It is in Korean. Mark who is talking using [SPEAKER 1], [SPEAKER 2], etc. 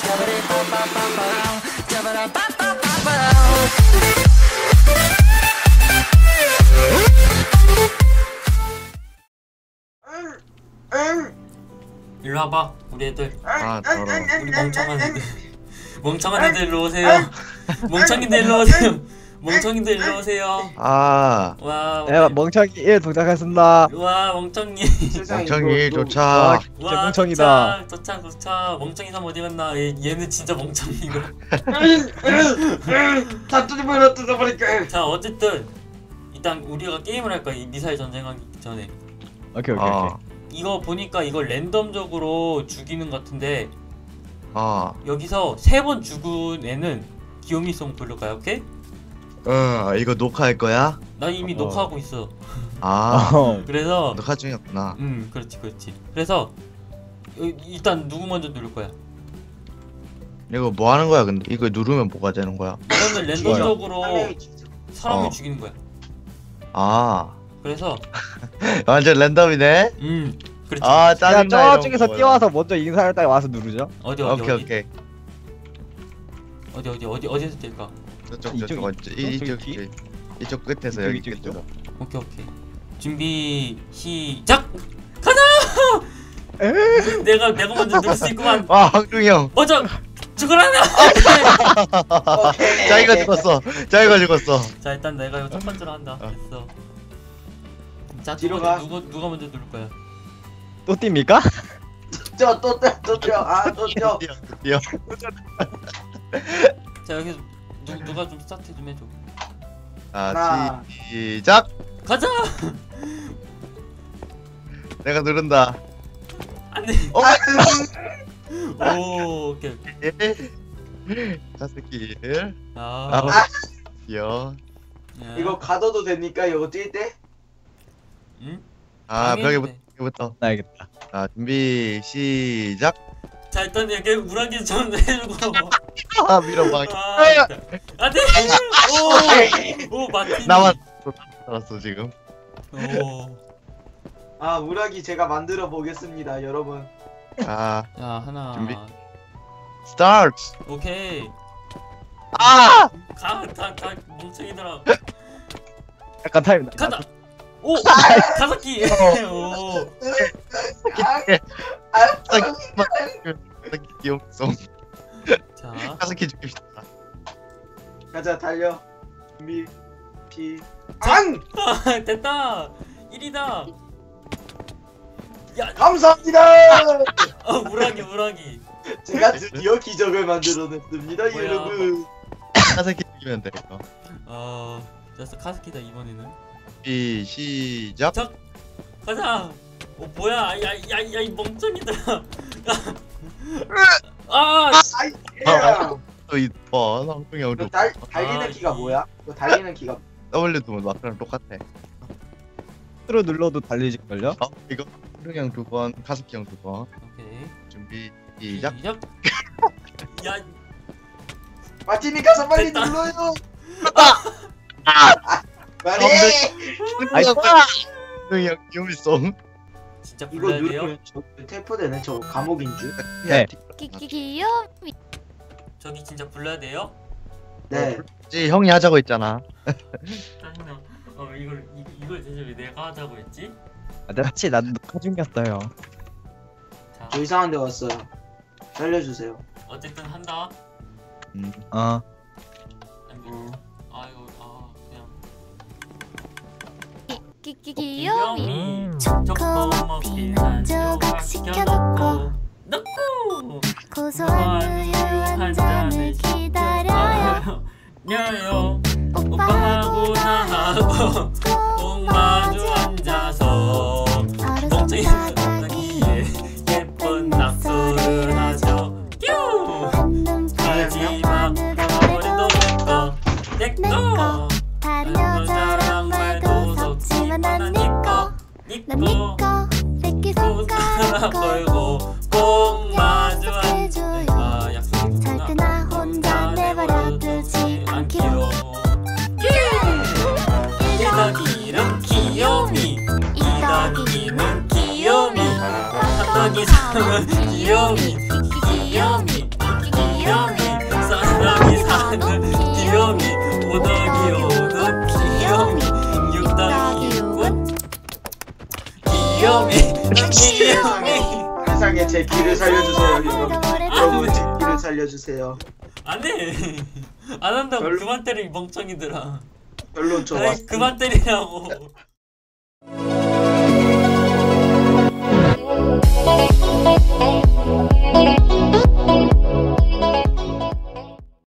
[SPEAKER 1] 일로 와봐 우리 애들.
[SPEAKER 2] 아 더러워.
[SPEAKER 1] 우리 멍청한 애들. 멍청한 애들 일로 오세요. 멍청이들 일로 오세요. 멍청이들 일로 오세요.
[SPEAKER 2] 아
[SPEAKER 1] 와.
[SPEAKER 3] 네, 멍청이 1 동작했습니다.
[SPEAKER 1] 와 멍청이.
[SPEAKER 2] 멍청이
[SPEAKER 3] 와,
[SPEAKER 2] 도착.
[SPEAKER 3] 진짜 멍청이다.
[SPEAKER 1] 도착. 멍청이 삼 어디 갔나? 얘는 진짜 멍청이고.
[SPEAKER 4] 다 뜯어버릴까.
[SPEAKER 1] 자 어쨌든 일단 우리가 게임을 할 거야. 이 미사일 전쟁하기 전에.
[SPEAKER 3] 오케이.
[SPEAKER 1] 이거 보니까 이거 랜덤적으로 죽이는 것 같은데 여기서 3번 죽은 애는 귀요미송 부를까요? 오케이?
[SPEAKER 2] 이거 녹화할 거야?
[SPEAKER 1] 나 이미 녹화하고 있어. 그래서
[SPEAKER 2] 녹화 중이었구나.
[SPEAKER 1] 그렇지. 그래서 일단 누구 먼저 누를 거야?
[SPEAKER 2] 이거 뭐 하는 거야 근데? 이거 누르면 뭐가 되는 거야?
[SPEAKER 1] 이거는 랜덤적으로 사람을 죽이는 거야. 그래서
[SPEAKER 2] 완전 랜덤이네?
[SPEAKER 1] 그렇지.
[SPEAKER 3] 야,
[SPEAKER 2] 짜증나.
[SPEAKER 3] 저쪽에서 뛰어와서 먼저 인사할 때 와서 누르죠.
[SPEAKER 1] 어디에서
[SPEAKER 2] 오케이.
[SPEAKER 1] 어디에서 뛸까?
[SPEAKER 2] 이쪽 끝에서 여기 끝으로.
[SPEAKER 1] 오케이. 준비 시작. 가자. 내가 먼저 누를 수 있구만.
[SPEAKER 2] 와 황중이 형.
[SPEAKER 1] 먼저 죽어라.
[SPEAKER 2] 자기가 죽었어.
[SPEAKER 1] 자 일단 내가 이거 첫 번째로 한다. 됐어. 자
[SPEAKER 4] 뒤로 가.
[SPEAKER 1] 누가 먼저 누를 거야?
[SPEAKER 3] 또 뜁니까?
[SPEAKER 4] 또 뛰어.
[SPEAKER 2] 뛰어.
[SPEAKER 1] 자 여기서 누가 좀 스타트 좀 해줘.
[SPEAKER 2] 자 시작.
[SPEAKER 1] 가자.
[SPEAKER 2] 내가 누른다.
[SPEAKER 1] 안돼. 오 오케이.
[SPEAKER 2] 가스길. 뛰어.
[SPEAKER 4] 이거 가둬도 됩니까? 이거 뛸 때?
[SPEAKER 1] 응?
[SPEAKER 2] 벽에부터.
[SPEAKER 3] 나야겠다.
[SPEAKER 2] 자 준비 시작.
[SPEAKER 1] 자 일단 여기 물안개 좀 해주고.
[SPEAKER 2] 밀어봐.
[SPEAKER 1] 안돼. 오 마틴.
[SPEAKER 2] 나만 살았어 지금.
[SPEAKER 4] 우라기 제가 만들어 보겠습니다, 여러분.
[SPEAKER 1] 자 하나.
[SPEAKER 2] 준비. 스타트.
[SPEAKER 1] 오케이. 다 멍청이들아.
[SPEAKER 3] 약간 타임.
[SPEAKER 1] 간다. 오 가사키. 오.
[SPEAKER 2] 귀염송.
[SPEAKER 1] 자.
[SPEAKER 2] 가스키 죽입시다.
[SPEAKER 4] 가자, 달려. 준비.
[SPEAKER 1] 됐다. 1이다. 야
[SPEAKER 4] 감사합니다.
[SPEAKER 1] 무라기.
[SPEAKER 4] 제가 드디어 기적을 만들어냈습니다,
[SPEAKER 1] 뭐야.
[SPEAKER 4] 여러분.
[SPEAKER 2] 가스키 죽이면 돼 이거.
[SPEAKER 1] 됐어 카스키다 이번에는.
[SPEAKER 2] 준비 시작.
[SPEAKER 1] 가자. 뭐야? 야 이 멍청이들아.
[SPEAKER 2] 또 이뻐. 황중이 형.
[SPEAKER 4] 달리는 키가 뭐야? 이거 달리는 키가
[SPEAKER 2] W도 마크랑 똑같아.
[SPEAKER 3] X로 눌러도 달리질걸요?
[SPEAKER 2] 이거 황중이 형 2번, 가스키 형 2번.
[SPEAKER 1] 오케이.
[SPEAKER 2] 준비 시작.
[SPEAKER 1] 야
[SPEAKER 4] 마틴이 가서 빨리
[SPEAKER 1] 됐다.
[SPEAKER 4] 눌러요.
[SPEAKER 2] 빨리. 황중이 형 귀염송.
[SPEAKER 1] 진짜
[SPEAKER 4] 이거
[SPEAKER 1] 불러야 돼요?
[SPEAKER 4] 누르면 저 태포되네. 저 감옥인 줄.
[SPEAKER 3] 네.
[SPEAKER 5] 귀요미.
[SPEAKER 1] 저기 진짜 불러야 돼요?
[SPEAKER 4] 네.
[SPEAKER 2] 형이 하자고 했잖아.
[SPEAKER 1] 짜증나. 이걸 대체 왜 내가 하자고 했지?
[SPEAKER 3] 같이 나도 녹화 중이었어요.
[SPEAKER 1] 자
[SPEAKER 4] 저 이상한 데 왔어요. 살려주세요.
[SPEAKER 1] 어쨌든 한다. 그냥
[SPEAKER 5] 귀요미.
[SPEAKER 1] 초코머핀 한 조각 시켜놓고
[SPEAKER 5] 고소한 우유 한 잔을 기다려요.
[SPEAKER 1] 오빠하고 나하고 꼭 마주 앉아서 멍청이 바닥에 예쁜 낙서를 하죠. 마지막 머리도 내꺼
[SPEAKER 5] 다른 여자랑 말도 섞지만 난 니꺼. 새끼 손가락
[SPEAKER 1] 걸고 꼭 마주 앉아요.
[SPEAKER 5] 잘 때 나 혼자 내버려 두지 않기로.
[SPEAKER 1] 1더기는 귀요미 2더기는 귀요미 3더기 3은 귀요미 미야미
[SPEAKER 4] 세상에 제 길을 살려주세요 여러분 제 길을 살려주세요.
[SPEAKER 1] 안돼 안 한다고.
[SPEAKER 4] 별로-
[SPEAKER 1] 그만 때려 이 멍청이들아.
[SPEAKER 4] 결론
[SPEAKER 1] 아이
[SPEAKER 4] 좋았어.
[SPEAKER 1] 그만 때리라고.